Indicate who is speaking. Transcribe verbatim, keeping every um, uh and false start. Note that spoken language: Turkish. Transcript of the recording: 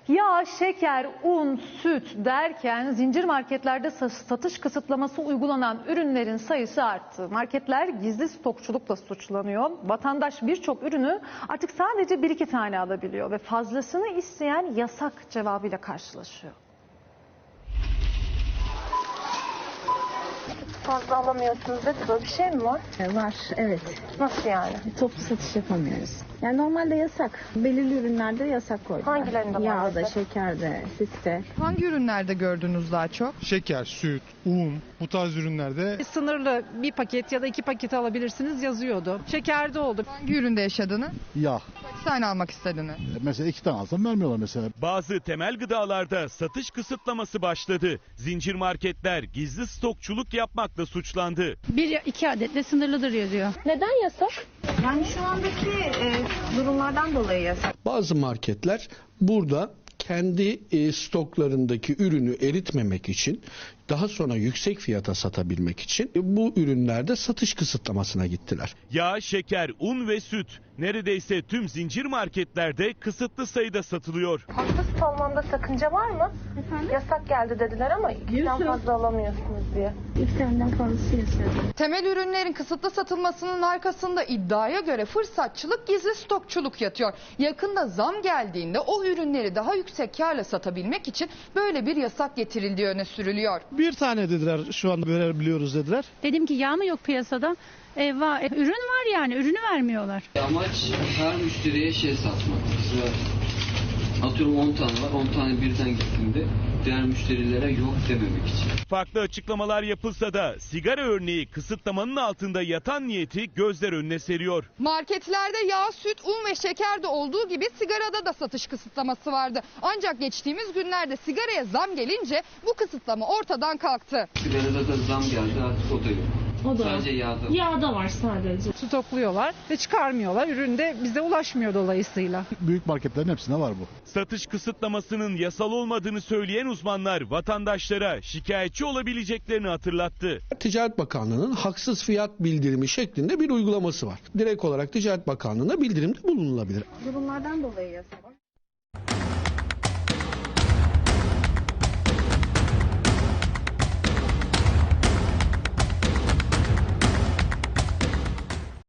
Speaker 1: Yağ, şeker, un, süt derken zincir marketlerde satış kısıtlaması uygulanan ürünlerin sayısı arttı. Marketler gizli stokçulukla suçlanıyor. Vatandaş birçok ürünü artık sadece bir iki tane alabiliyor ve fazlasını isteyen yasak cevabıyla karşılaşıyor.
Speaker 2: Fazla alamıyorsunuz dedi. Böyle bir şey mi var?
Speaker 3: Var, evet.
Speaker 2: Nasıl yani?
Speaker 3: Toplu satış yapamıyoruz. Yani normalde yasak. Belirli ürünlerde yasak koydular.
Speaker 2: Hangilerinde var
Speaker 3: Yağda,
Speaker 2: mesela?
Speaker 3: şekerde, sütte.
Speaker 4: Hangi ürünlerde gördünüz daha çok?
Speaker 5: Şeker, süt, un bu tarz ürünlerde
Speaker 6: Sınırlı bir paket ya da iki paket alabilirsiniz yazıyordu. Şekerde oldu.
Speaker 4: Hangi üründe yaşadınız?
Speaker 7: Yağ.
Speaker 4: Kaç tane almak istediniz?
Speaker 7: Mesela iki tane alsam vermiyorlar mesela.
Speaker 8: Bazı temel gıdalarda satış kısıtlaması başladı. Zincir marketler gizli stokçuluk yapmakla suçlandı.
Speaker 9: Bir iki adetle sınırlıdır yazıyor.
Speaker 2: Neden yasak?
Speaker 3: Yani şu andaki e, durumlardan dolayı yasak.
Speaker 10: Bazı marketler burada kendi e, stoklarındaki ürünü eritmemek için, daha sonra yüksek fiyata satabilmek için e, bu ürünlerde satış kısıtlamasına gittiler.
Speaker 8: Yağ, şeker, un ve süt neredeyse tüm zincir marketlerde kısıtlı sayıda satılıyor.
Speaker 2: Fazla süt almamda sakınca var mı?
Speaker 3: Efendim?
Speaker 2: Yasak geldi dediler ama ikiden fazla alamıyorsunuz diye.
Speaker 3: İki taneden fazlası yasak.
Speaker 4: Temel ürünlerin kısıtlı satılmasının arkasında iddiaya göre fırsatçılık, gizli stokçuluk yatıyor. Yakında zam geldiğinde o ürünleri daha yüksek karla satabilmek için böyle bir yasak getirildiği öne sürülüyor.
Speaker 11: Bir tane dediler, şu anda verebiliyoruz dediler.
Speaker 9: Dedim ki yağ mı yok piyasada? E, var. E, ürün var yani ürünü vermiyorlar.
Speaker 12: Amaç her müşteriye şey satmak. Mesela atıyorum on tane var, on tane birden gittiğinde diğer müşterilere yok dememek için.
Speaker 8: Farklı açıklamalar yapılsa da sigara örneği kısıtlamanın altında yatan niyeti gözler önüne seriyor.
Speaker 4: Marketlerde yağ, süt, un ve şeker de olduğu gibi sigarada da satış kısıtlaması vardı. Ancak geçtiğimiz günlerde sigaraya zam gelince bu kısıtlama ortadan kalktı.
Speaker 12: Sigarada da zam geldi, artık o da yok.
Speaker 9: O da
Speaker 12: Sadece yağda.
Speaker 9: Yağda var sadece.
Speaker 6: Stokluyorlar ve çıkarmıyorlar. Ürün de bize ulaşmıyor dolayısıyla.
Speaker 7: Büyük marketlerin hepsinde var bu.
Speaker 8: Satış kısıtlamasının yasal olmadığını söyleyen uzmanlar vatandaşlara şikayetçi olabileceklerini hatırlattı.
Speaker 10: Ticaret Bakanlığı'nın haksız fiyat bildirimi şeklinde bir uygulaması var. Direkt olarak Ticaret Bakanlığı'na bildirimde bulunulabilir.
Speaker 3: Durumlardan dolayı yasak.